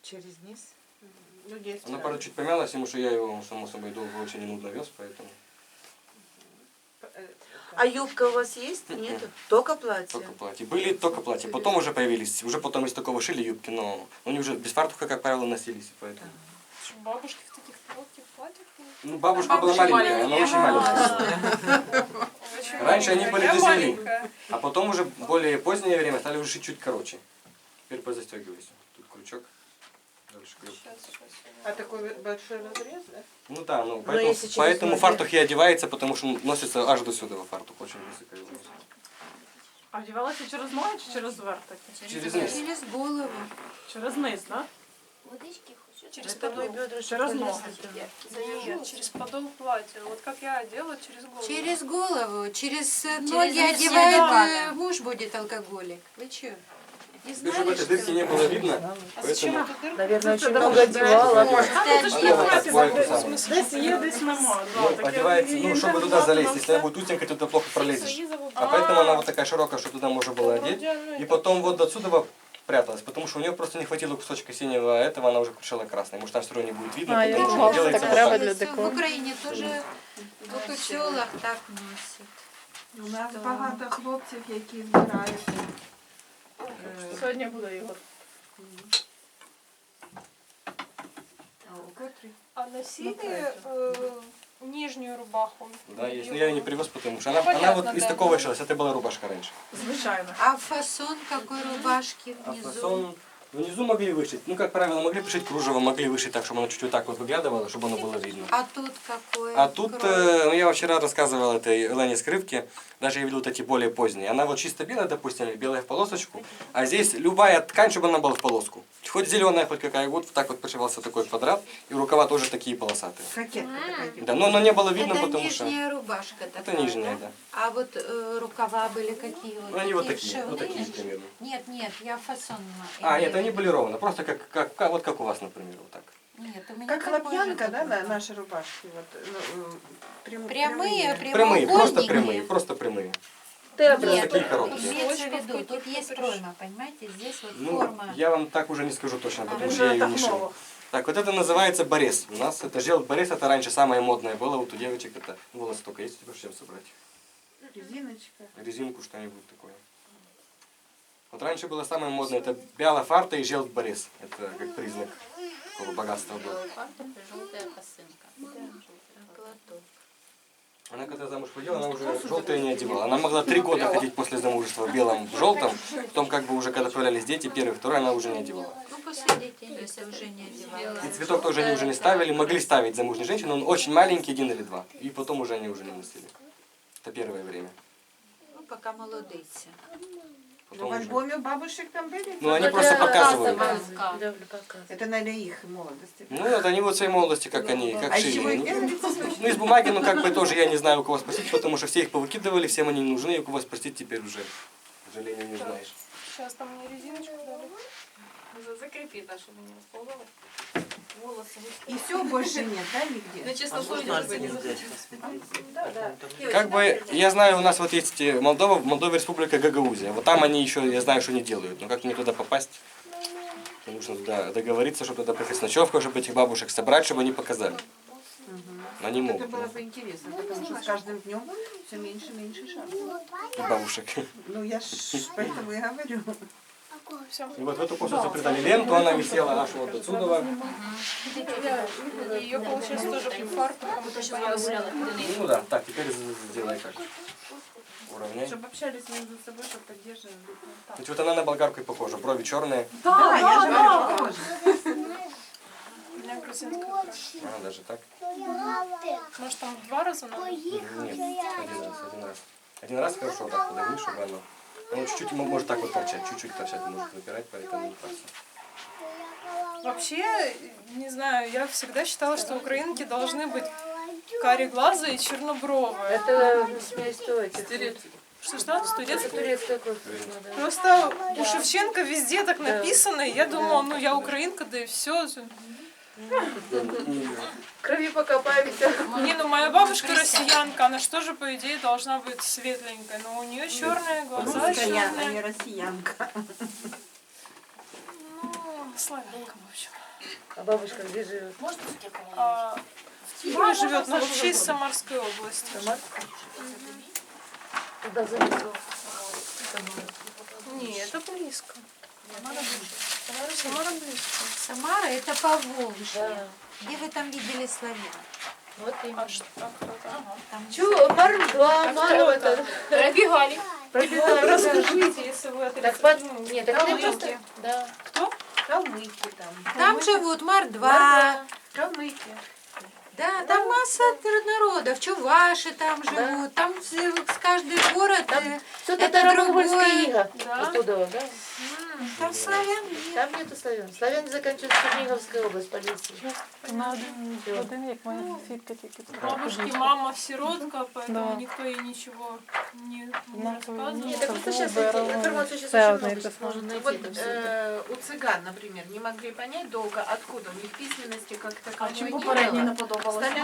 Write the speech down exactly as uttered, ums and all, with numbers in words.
Через низ? Ну, Она, правда, чуть помялась, потому что я его, само собой, долго очень и нудно вез, поэтому... А юбка у вас есть? Нет? Только платье? Только платье. Были только платья. Потом уже появились, уже потом из такого шили юбки, но они уже без фартуха, как правило, носились, поэтому... Бабушки в таких коротких платьях? Ну, бабушка была маленькая, она очень маленькая. Раньше они были дозели, а потом уже в более позднее время стали уже шить чуть короче. Теперь позастегивайся. Тут крючок. Дальше крючок. А такой большой разрез, да? Ну да, ну поэтому, если через поэтому ноги. фартух и одевается, потому что носится аж до сюда фартух, очень высокая волоса. А вдівалася через ноги чи через верх таки? Через низ. Через голову. Через низ, да? Водички хочешь? Через Это мой подол. бедрышко Через ноги. полезно. Нет, через подол платья. Вот как я одела, через голову. Через голову, через ноги низ одевает, одевает. э, муж будет алкоголик. Вы что? Не Чтобы знали, этой что дырки ли? не было видно, А зачем поэтому... эту дырку? Наверное, очень Это много может одевала. быть. А, ну это ж не Она вот платье, такое в самое. смысле, десь є, десь нема. Да, Ну, так я одевается, її ну, чтобы туда інтернатом залезть. все. Если она будет узенькая, то туда плохо пролезешь. А А. поэтому она вот такая широкая, что туда можно было одеть. Вроде оно И и потом вот отсюда пряталась, потому что у нее просто не хватило кусочка синего, а этого она уже крушила красной. Может, там все равно не будет видно, А, я потому что думала, делается так вот треба так. для Всё, декору. в Україні теж тільки в селах так носять. У нас Що? багато хлопців, які збирають. Сьогодні буде Ігор. А носили э, нижнюю рубаху? Да, есть. Но я ее не привез, потому что она, Ну, она понятно, вот из да. такого шилась. Это была рубашка раньше. Звичайно. А фасон какой рубашки А внизу? фасон внизу могли вышить. Ну, как правило, могли пришить кружево, могли вышить так, чтобы оно чуть-чуть так вот выглядывало, чтобы оно было видно. А тут какой? А тут, крой? э, ну я вчера рассказывал этой Лене Скрипке, даже я видел вот эти более поздние. Она вот чисто белая, допустим, или белая в полосочку, а здесь любая ткань, чтобы она была в полоску. Хоть зеленая, хоть какая, вот так вот пришивался такой квадрат, и рукава тоже такие полосатые. Кокетка така. Да, но, но не было видно, Это потому что... нижняя рубашка Это такая, нижняя, да? да. А вот э, рукава были какие? Вот Ну, они вот такие такие, вот вшивные? такие примерно. Нет, нет, я фасон. А, имею нет, в они виду. были ровно, просто как, как, как, вот как у вас, например, вот так. Нет, у меня Как такой хлопьянка, же да, такой, на- наши рубашки? Вот, ну, м, прям- Прямые, прямые. Прямые, просто прямоугольники. прямые, просто прямые. Ты Нет, такие Нет, короткие. имеется в виду, тут есть пройма, понимаете, здесь вот Ну, форма. я вам так уже не скажу точно, потому Это что я же ее не шил. Тахнова. Так, вот это называется борез. У нас это жел борез, это раньше самое модное было, вот у девочек это волосы только есть, теперь чем собрать? Резиночка. Резинку, что-нибудь такое. Вот раньше было самое модное, это бяла фарта и жел борез. Это как признак такого богатства было. Желтая косынка. Платок. Она когда замуж выходила, она уже желтое не одевала. Она могла три года ходить после замужества в белом, в желтом. Потом как бы уже когда появлялись дети, первый, второй, она уже не одевала. Ну, после детей, если уже не одевала. И цветок тоже они уже не ставили, могли ставить замужние женщины, он очень маленький, один или два. И потом уже они уже не носили. Это первое время. Ну, пока молодицы. Ну, Потом в уже... альбоме у бабушек там были? Ну они просто показывают. Да, показывают. Это, наверное, их молодости. Ну вот они вот в своей молодости, как они, как А из чего шили. их Они- делали? Ну из бумаги, ну как бы тоже я не знаю, у кого спросить, потому что все их повыкидывали, всем они не нужны, и у кого спросить теперь уже, к сожалению, не знаешь. Сейчас там мне резиночку дали. Закрепи, да, чтобы не расползалось. Волосы. И все, больше нет, да, нигде? Ну, честно, что не Да, да. Как бы, я знаю, у нас вот есть э, Молдова, в Молдове республика Гагаузия. Вот там они еще, я знаю, что они делают. Но как мне туда попасть? Мне нужно туда договориться, чтобы туда приехать с ночевкой, чтобы этих бабушек собрать, чтобы они показали. Они Это могут. было ну, бы интересно, потому что с каждым днем все меньше и меньше шансов. и бабушек. Ну, я ж поэтому и говорю. Все. И вот в эту косу заплетали ленту, она висела аж вот отсюда. Ее, получается, тоже фартуком. Ну да, так, теперь сделай как. Уравняй. Чтобы общались между собой, чтобы поддерживали. Значит, вот она на болгарку и похожа. Брови черные. Да, я же говорю, похоже. У меня грузинская. А, даже так. Может, там в два раза надо? Нет, один раз, один раз. Один раз хорошо так подавни, чтобы оно... Оно чуть-чуть мо- может так вот торчать, чуть-чуть торчать может выпирать, поэтому не парься. Вообще, не знаю, я всегда считала, что украинки должны быть кареглазые и чернобровые. Это стойте. Что-что? Студентская? Турецкая кофта. Да. Просто у Шевченко везде так написано, и я думала, ну я украинка, да и все. В крови покопаемся. Не, ну моя бабушка россиянка, она что же, по идее, должна быть светленькая, но у нее черные глаза, Русская, а черные. не россиянка. Ну, Славянка, в общем. А бабушка где живет? А, в Киеве живет, но вообще из Самарской области. Самар? Туда занесу. Не, это близко. Самара близко. Самара это Поволжье. Да. Где вы там видели славян? Вот именно. А что, а кто там? Чё, Мар два, Мар кто это. Пробегали. Пробегали. да. Расскажите, если вы Так, отрицаете. под... Нет, так это просто... Да. Кто? Калмыки там. Там живут мордва. Мар Калмыки. Да, там масса народов. Чуваши там живут. Там с с каждый город. э, Все Это татаро-монгольская другое. ига. Да? Оттуда, да? м, Там славян нет. Там нету славян. Славяне заканчивают Черниговская область, полиции. На один, один як моя сусідка тільки Бабушки, мама сиротка, поэтому Да. никто ей ничего не, не Ну, рассказывал. Нет, так просто сейчас Выбор, информацию сейчас все очень одно и много то сейчас можно найти. Вот это всё. э, у цыган, например, не могли понять долго, откуда у них письменности как таковой Чим не попередній не было. подобалось? Стали